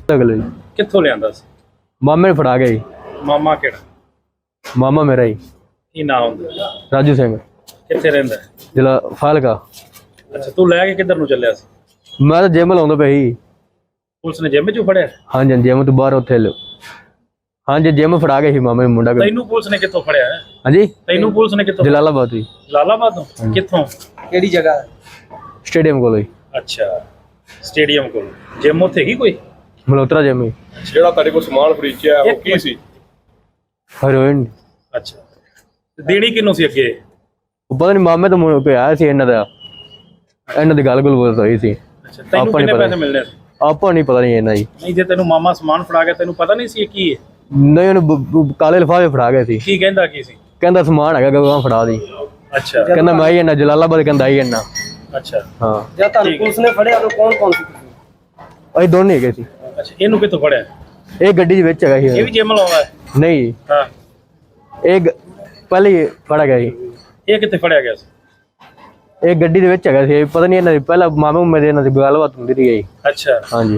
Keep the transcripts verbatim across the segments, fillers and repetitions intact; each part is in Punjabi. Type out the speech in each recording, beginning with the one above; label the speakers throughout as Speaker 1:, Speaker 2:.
Speaker 1: ਅਗਲੇ
Speaker 2: ਕਿੱਥੋਂ ਲਿਆਂਦਾ ਸੀ?
Speaker 1: ਮਾਮੇ ਨੇ ਫੜਾ ਗਿਆ ਜੀ।
Speaker 2: ਮਾਮਾ ਕਿਹੜਾ?
Speaker 1: ਮਾਮਾ ਮੇਰਾ ਜੀ
Speaker 2: ਕੀ ਨਾਮ ਹੁੰਦਾ?
Speaker 1: ਰਾਜੂ ਸਿੰਘ,
Speaker 2: ਕਿੱਥੇ ਰਹਿੰਦਾ?
Speaker 1: ਜ਼ਿਲ੍ਹਾ ਫਾਜ਼ਿਲਕਾ।
Speaker 2: ਅੱਛਾ, ਤੂੰ ਲੈ ਕੇ ਕਿੱਧਰ ਨੂੰ ਚੱਲਿਆ ਸੀ?
Speaker 1: ਮੈਂ ਤਾਂ ਜਿਮ ਲਾਉਂਦਾ ਪਿਆ ਸੀ।
Speaker 2: ਪੁਲਿਸ ਨੇ ਜਿਮ ਚੋਂ ਫੜਿਆ?
Speaker 1: ਹਾਂਜੀ ਜਿਮ ਤੋਂ ਬਾਹਰ ਉੱਥੇ ਲੋ ਹਾਂਜੀ ਜਿਮ ਫੜਾ ਗਿਆ ਸੀ ਮਾਮੇ ਨੂੰ ਮੁੰਡਾ।
Speaker 2: ਤੈਨੂੰ ਪੁਲਿਸ ਨੇ ਕਿੱਥੋਂ ਫੜਿਆ?
Speaker 1: ਹਾਂਜੀ
Speaker 2: ਤੈਨੂੰ ਪੁਲਿਸ ਨੇ ਕਿੱਥੋਂ?
Speaker 1: ਜਲਾਲਾਬਾਦ ਜੀ।
Speaker 2: ਜਲਾਲਾਬਾਦ ਤੋਂ? ਕਿੱਥੋਂ? ਕਿਹੜੀ ਜਗ੍ਹਾ?
Speaker 1: ਸਟੇਡੀਅਮ ਕੋਲ ਜੀ।
Speaker 2: ਅੱਛਾ, ਸਟੇਡੀਅਮ ਕੋਲ ਜਿਮ ਉੱਥੇ ਹੀ ਕੋਈ?
Speaker 1: ਮਲਹੋਤਰਾ ਜਿਮ ਜੀ।
Speaker 3: ਜਿਹੜਾ ਤੁਹਾਡੇ ਕੋਲ ਸਮਾਨ ਫਰੀਚਿਆ ਉਹ ਕੀ ਸੀ?
Speaker 1: ਹੈਰੋਇਨ।
Speaker 2: ਅੱਛਾ, ਦੇਣੀ ਕਿਹਨੂੰ ਸੀ ਅੱਗੇ?
Speaker 1: ਉਹ ਪਤਾ ਨਹੀਂ ਮਾਮੇ ਤੋਂ ਮੁੰਡਾ ਕੋਈ ਆਇਆ ਸੀ ਇਹਨਾਂ ਦਾ, ਇਹਨਾਂ ਦੀ ਗੱਲ ਗੁੱਲ ਬੋਲ ਹੋਈ ਸੀ।
Speaker 2: ਅੱਛਾ, ਤੈਨੂੰ ਕਿੰਨੇ ਪੈਸੇ ਮਿਲਣੇ ਸੀ?
Speaker 1: ਆਪਾਂ ਨਹੀਂ ਪਤਾ ਨਹੀਂ ਇਹਨਾਂ ਜੀ।
Speaker 2: ਨਹੀਂ, ਜੇ ਤੈਨੂੰ ਮਾਮਾ ਸਮਾਨ ਫੜਾ ਗਿਆ ਤੈਨੂੰ ਪਤਾ ਨਹੀਂ ਸੀ ਇਹ ਕੀ ਹੈ?
Speaker 1: ਨਹੀਂ ਉਹਨੂੰ ਕਾਲੇ ਲਿਫਾਫੇ ਫੜਾ ਗਏ ਸੀ।
Speaker 2: ਕੀ ਕਹਿੰਦਾ ਕੀ ਸੀ?
Speaker 1: ਕਹਿੰਦਾ ਸਮਾਨ ਹੈਗਾ ਗਾਂ ਫੜਾ ਦੀ।
Speaker 2: ਅੱਛਾ,
Speaker 1: ਕਹਿੰਦਾ ਮੈਂ ਹੀ ਇਹਨਾਂ ਜਲਾਲਾਬਾਦ ਕਹਿੰਦਾ ਹੀ ਇਹਨਾਂ।
Speaker 2: ਅੱਛਾ
Speaker 1: ਹਾਂ,
Speaker 2: ਜਦ ਤੁਹਾਨੂੰ ਪੁਲਿਸ ਨੇ ਫੜਿਆ ਤਾਂ ਕੌਣ ਕੌਣ ਸੀ?
Speaker 1: ਅਸੀਂ ਦੋਨੇ ਹੈਗੇ ਸੀ।
Speaker 2: ਅੱਛਾ, ਇਹਨੂੰ ਕਿੱਥੋਂ ਫੜਿਆ?
Speaker 1: ਇਹ ਗੱਡੀ ਦੇ ਵਿੱਚ ਹੈਗਾ ਸੀ।
Speaker 2: ਇਹ ਵੀ ਜਿਮ ਲਾਉਂਦਾ ਹੈ?
Speaker 1: ਨਹੀਂ
Speaker 2: ਹਾਂ,
Speaker 1: ਇਹ ਗ- ਪਹਿਲੇ ਹੀ ਫੜਾ ਗਿਆ ਸੀ।
Speaker 2: ਇਹ ਕਿੱਥੇ ਫੜਿਆ ਗਿਆ ਸੀ?
Speaker 1: ਇਹ ਗੱਡੀ ਦੇ ਵਿੱਚ ਹੈਗਾ ਸੀ। ਪਤਾ ਨਹੀਂ ਇਹਨਾਂ ਦੀ ਪਹਿਲਾਂ ਮਾਮੇ ਮੇਰੇ ਇਹਨਾਂ ਦੀ ਗੱਲਬਾਤ ਹੁੰਦੀ ਰਹੀ।
Speaker 2: ਅੱਛਾ,
Speaker 1: ਹਾਂਜੀ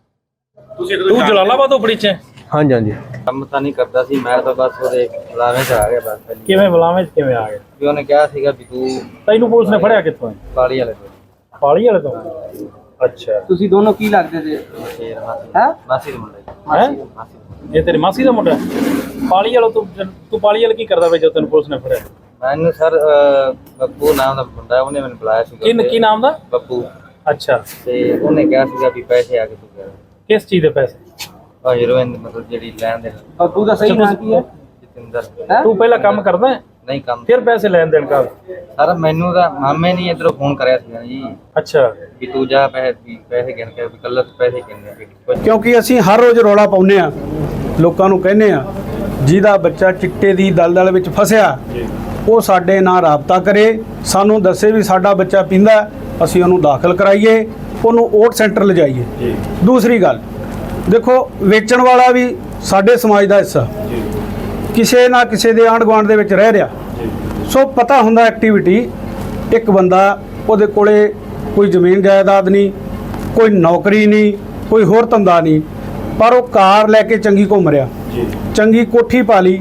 Speaker 2: ਤੁਸੀਂ ਤੂੰ ਜਲਾਲਾਬਾਦ ਤੋਂ ਫੜੀ ਚ?
Speaker 1: ਹਾਂਜੀ ਹਾਂਜੀ।
Speaker 4: ਕੰਮ ਤਾਂ ਨਹੀਂ ਕਰਦਾ ਸੀ ਮੈਂ ਤਾਂ ਬਸ ਉਹਦੇ ਬੁਲਾਵੇਂ 'ਚ ਆ ਗਿਆ ਬਸ ਪਹਿਲੀ
Speaker 2: ਕਿਵੇਂ ਬੁਲਾਵੇਂ ਚ ਕਿਵੇਂ ਆ ਗਏ?
Speaker 4: ਵੀ ਉਹਨੇ ਕਿਹਾ ਸੀਗਾ ਵੀ ਤੂੰ
Speaker 2: ਤੈਨੂੰ ਪੁਲਿਸ ਨੇ ਫੜਿਆ ਕਿੱਥੋਂ ਹੈ?
Speaker 4: ਕਾਲੀ ਵਾਲੇ ਤੋਂ
Speaker 2: ਪਾਲੀ ਵਾਲੇ ਤੋਂ? ਅੱਛਾ,
Speaker 5: ਤੁਸੀਂ ਦੋਨੋਂ ਕੀ ਲੱਗਦੇ ਜੇ?
Speaker 4: ਸ਼ੇਰ ਮਾਸੀ
Speaker 5: ਹੈ
Speaker 4: ਮਾਸੀ ਦੇ ਮੁੰਡੇ
Speaker 2: ਹੈ
Speaker 4: ਮਾਸੀ ਦੇ।
Speaker 2: ਇਹ ਤੇਰੀ ਮਾਸੀ ਦਾ ਮੁੰਡਾ? ਪਾਲੀ ਵਾਲਾ ਤੂੰ ਤੂੰ ਪਾਲੀ ਵਾਲਾ ਕੀ ਕਰਦਾ ਵੇ ਜਦੋਂ ਤੈਨੂੰ ਪੁਲਿਸ ਨੇ ਫੜਿਆ?
Speaker 4: ਮੈਨੂੰ ਸਰ ਬੱਬੂ ਨਾਮ ਦਾ ਮੁੰਡਾ ਉਹਨੇ ਮੈਨੂੰ ਬੁਲਾਇਆ ਸੀਗਾ
Speaker 2: ਕੀ ਕੀ ਨਾਮ ਦਾ?
Speaker 4: ਬੱਬੂ।
Speaker 2: ਅੱਛਾ,
Speaker 4: ਤੇ ਉਹਨੇ ਕਿਹਾ ਸੀਗਾ ਵੀ ਪੈਸੇ ਆ ਕੇ ਤੂੰ ਕਰ
Speaker 2: ਕਿਸ ਚੀਜ਼ ਦੇ ਪੈਸੇ?
Speaker 4: ਉਹ ਹੀਰੋਇਨ ਮਤਲਬ ਜਿਹੜੀ ਲੈਣ ਦੇ
Speaker 5: ਬੱਬੂ ਦਾ ਸਹੀ ਨਾਮ ਕੀ ਹੈ?
Speaker 4: ਜਤਿੰਦਰ।
Speaker 2: ਤੂੰ ਪਹਿਲਾਂ ਕੰਮ ਕਰਦਾ ਹੈ
Speaker 4: ਨਹੀਂ ਕੰਮ
Speaker 2: ਫਿਰ ਪੈਸੇ ਲੈਣ ਦੇਣ ਕਰ?
Speaker 4: ਸਰ ਮੈਨੂੰ ਤਾਂ ਮਾਮੇ ਨੇ ਇਧਰੋਂ ਫੋਨ ਕਰਿਆ ਸੀਗਾ ਜੀ
Speaker 2: ਅੱਛਾ,
Speaker 4: ਵੀ ਤੂੰ ਜਾ ਪੈਸੇ ਵੀ ਪੈਸੇ ਗਿਣ ਕੇ ਵੀ ਕੱਲ੍ਹ ਪੈਸੇ ਗਿਣਨੇ ਵੀ
Speaker 6: ਕਿਉਂਕਿ ਅਸੀਂ ਹਰ ਰੋਜ਼ ਰੌਲਾ ਪਾਉਂਦੇ ਆ, ਲੋਕਾਂ ਨੂੰ ਕਹਿੰਦੇ ਆ ਜਿਹਦਾ ਬੱਚਾ ਚਿੱਟੇ ਦੀ ਦਲਦਲ ਵਿੱਚ ਫਸਿਆ ਉਹ ਸਾਡੇ ਨਾਲ ਰਾਬਤਾ ਕਰੇ, ਸਾਨੂੰ ਦੱਸੇ ਵੀ ਸਾਡਾ ਬੱਚਾ ਪੀਂਦਾ, ਅਸੀਂ ਉਹਨੂੰ ਦਾਖਲ ਕਰਾਈਏ, ਉਹਨੂੰ ਓਟ ਸੈਂਟਰ ਲਿਜਾਈਏ। ਦੂਸਰੀ ਗੱਲ ਦੇਖੋ, ਵੇਚਣ ਵਾਲਾ ਵੀ ਸਾਡੇ ਸਮਾਜ ਦਾ ਹਿੱਸਾ, ਕਿਸੇ ਨਾ ਕਿਸੇ ਦੇ ਆਂਢ ਗੁਆਂਢ ਦੇ ਵਿੱਚ ਰਹਿ ਰਿਹਾ, ਸੋ ਪਤਾ ਹੁੰਦਾ ਐਕਟੀਵਿਟੀ। ਇੱਕ ਬੰਦਾ ਉਹਦੇ ਕੋਲੇ ਕੋਈ ਜ਼ਮੀਨ ਜਾਇਦਾਦ ਨਹੀਂ, ਕੋਈ ਨੌਕਰੀ ਨਹੀਂ, ਕੋਈ ਹੋਰ ਧੰਦਾ ਨਹੀਂ, ਪਰ ਉਹ ਕਾਰ ਲੈ ਕੇ ਚੰਗੀ ਘੁੰਮ ਰਿਹਾ, ਚੰਗੀ ਕੋਠੀ ਪਾ ਲਈ,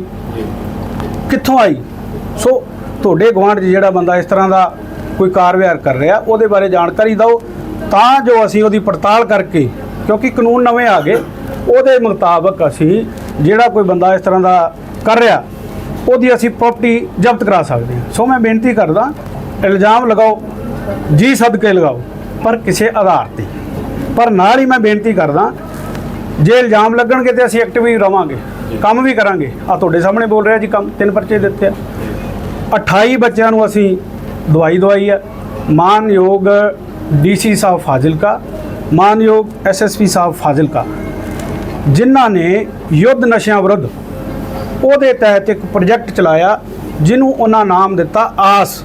Speaker 6: ਕਿੱਥੋਂ ਆਈ? ਸੋ ਤੁਹਾਡੇ ਗੁਆਂਢ 'ਚ ਜਿਹੜਾ ਬੰਦਾ ਇਸ ਤਰ੍ਹਾਂ ਦਾ ਕੋਈ ਕਾਰ ਵਿਹਾਰ ਕਰ ਰਿਹਾ ਉਹਦੇ ਬਾਰੇ ਜਾਣਕਾਰੀ ਦਿਓ, ਤਾਂ ਜੋ ਅਸੀਂ ਉਹਦੀ ਪੜਤਾਲ ਕਰਕੇ, ਕਿਉਂਕਿ ਕਾਨੂੰਨ ਨਵੇਂ ਆ ਗਏ, ਉਹਦੇ ਮੁਤਾਬਕ ਅਸੀਂ ਜਿਹੜਾ ਕੋਈ ਬੰਦਾ ਇਸ ਤਰ੍ਹਾਂ ਦਾ ਕਰ ਰਿਹਾ ਉਹਦੀ ਅਸੀਂ ਪ੍ਰਾਪਰਟੀ ਜ਼ਬਤ ਕਰਾ ਸਕਦੇ ਹਾਂ। ਸੋ ਮੈਂ ਬੇਨਤੀ ਕਰਦਾ, ਇਲਜ਼ਾਮ ਲਗਾਓ ਜੀ ਸਦਕੇ ਲਗਾਓ, ਪਰ ਕਿਸੇ ਆਧਾਰ 'ਤੇ। ਪਰ ਨਾਲ ਹੀ ਮੈਂ ਬੇਨਤੀ ਕਰਦਾ, ਜੇ ਇਲਜ਼ਾਮ ਲੱਗਣਗੇ ਤੇ ਅਸੀਂ ਐਕਟਿਵ ਹੀ ਰਵਾਂਗੇ, ਕੰਮ ਵੀ ਕਰਾਂਗੇ। ਆ ਤੁਹਾਡੇ ਸਾਹਮਣੇ ਬੋਲ ਰਿਹਾ ਜੀ, ਕੰਮ ਤਿੰਨ ਪਰਚੇ ਦਿੱਤੇ ਆ, ਅਠਾਈ ਬੱਚਿਆਂ ਨੂੰ ਅਸੀਂ ਦਵਾਈ ਦਵਾਈ ਹੈ। ਮਾਨਯੋਗ ਡੀ ਸੀ ਸਾਹਿਬ ਫਾਜ਼ਿਲਕਾ, ਮਾਨਯੋਗ ਐਸ ਐਸ ਪੀ ਸਾਹਿਬ ਫਾਜ਼ਿਲਕਾ, ਜਿਨ੍ਹਾਂ ਨੇ ਯੁੱਧ ਨਸ਼ਿਆਂ ਵਿਰੁੱਧ ਉਹਦੇ ਤਹਿਤ ਇੱਕ ਪ੍ਰੋਜੈਕਟ ਚਲਾਇਆ ਜਿਹਨੂੰ ਉਹਨਾਂ ਨਾਮ ਦਿੱਤਾ ਆਸ।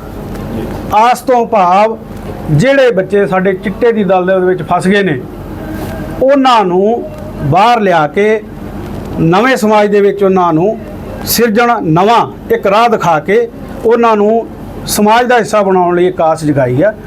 Speaker 6: ਆਸ ਤੋਂ ਭਾਵ ਜਿਹੜੇ ਬੱਚੇ ਸਾਡੇ ਚਿੱਟੇ ਦੀ ਦਲਦਲ ਵਿੱਚ ਫਸ ਗਏ ਨੇ ਉਹਨਾਂ ਨੂੰ ਬਾਹਰ ਲਿਆ ਕੇ ਨਵੇਂ ਸਮਾਜ ਦੇ ਵਿੱਚ ਉਹਨਾਂ ਨੂੰ ਸਿਰਜਣ, ਨਵਾਂ ਇੱਕ ਰਾਹ ਦਿਖਾ ਕੇ ਉਹਨਾਂ ਨੂੰ ਸਮਾਜ ਦਾ ਹਿੱਸਾ ਬਣਾਉਣ ਲਈ ਇੱਕ ਆਸ ਜਗਾਈ ਆ।